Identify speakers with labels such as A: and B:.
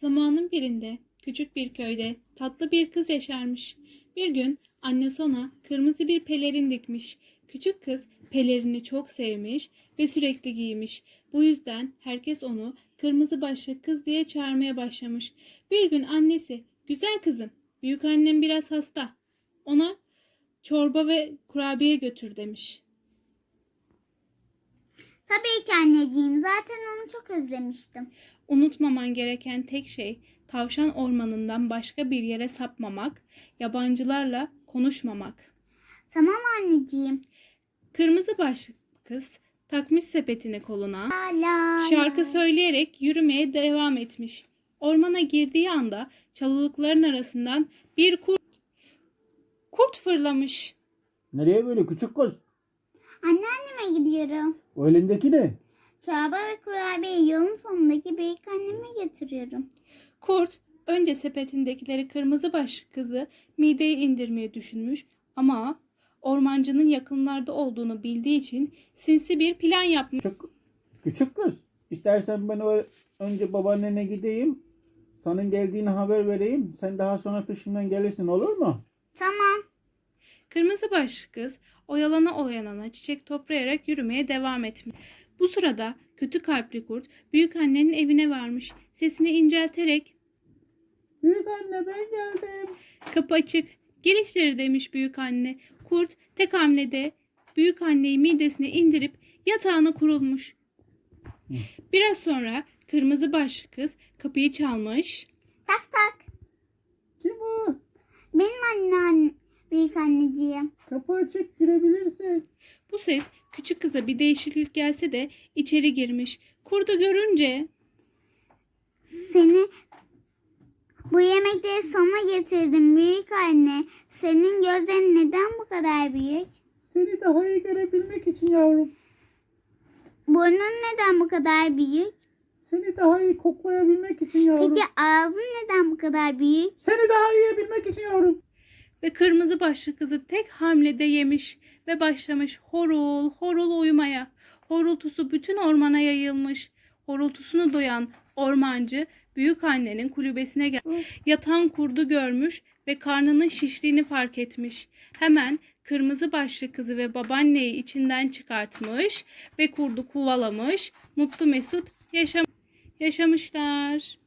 A: Zamanın birinde küçük bir köyde tatlı bir kız yaşarmış. Bir gün annesi ona kırmızı bir pelerin dikmiş. Küçük kız pelerini çok sevmiş ve sürekli giymiş. Bu yüzden herkes onu kırmızı başlı kız diye çağırmaya başlamış. Bir gün annesi, "Güzel kızım, büyük annem biraz hasta. Ona çorba ve kurabiye götür," demiş.
B: Tabii ki anneciğim. Zaten onu çok özlemiştim.
A: Unutmaman gereken tek şey tavşan ormanından başka bir yere sapmamak, yabancılarla konuşmamak.
B: Tamam anneciğim.
A: Kırmızı başlı kız takmış sepetini koluna,
B: La la
A: şarkı
B: la.
A: söyleyerek yürümeye devam etmiş. Ormana girdiği anda çalılıkların arasından bir kurt fırlamış.
C: Nereye böyle küçük kız?
B: Anneanneme gidiyorum.
C: O elindeki ne?
B: Çorba ve kurabiye yolun sonundaki büyük anneme götürüyorum.
A: Kurt önce sepetindekileri kırmızı başlı kızı mideye indirmeyi düşünmüş ama ormancının yakınlarda olduğunu bildiği için sinsi bir plan yapmış.
C: Küçük kız. İstersen ben önce babaannene gideyim. Senin geldiğini haber vereyim. Sen daha sonra peşimden gelirsin, olur mu?
B: Tamam.
A: Kırmızı başlı kız oyalana çiçek toplayarak yürümeye devam etmiş. Bu sırada kötü kalpli kurt büyük annenin evine varmış. Sesini incelterek,
C: Büyük anne, ben geldim.
A: "Kapı açık, gir içeri," demiş büyük anne. Kurt tek hamlede büyük anneyi midesine indirip yatağına kurulmuş. Biraz sonra kırmızı başlı kız kapıyı çalmış.
B: Tak tak.
C: Kim o?
B: Benim büyük anneciğim.
C: Kapı açık, girebilirsin.
A: Bu ses küçük kıza bir değişiklik gelse de içeri girmiş. Kurdu görünce,
B: Seni bu yemekleri sana getirdim büyük anne. Senin gözlerin neden bu kadar büyük?
C: Seni daha iyi görebilmek için yavrum.
B: Burnun neden bu kadar büyük?
C: Seni daha iyi koklayabilmek için yavrum.
B: Peki ağzın neden bu kadar büyük?
C: Seni daha iyi yiyebilmek için yavrum.
A: ve kırmızı başlı kızı tek hamlede yemiş ve başlamış horul horul uyumaya. Horultusu bütün ormana yayılmış. Horultusunu duyan ormancı büyük annenin kulübesine yatan kurdu görmüş ve karnının şiştiğini fark etmiş. Hemen kırmızı başlı kızı ve babaanneyi içinden çıkartmış ve kurdu kovalamış. Mutlu mesut yaşamışlar.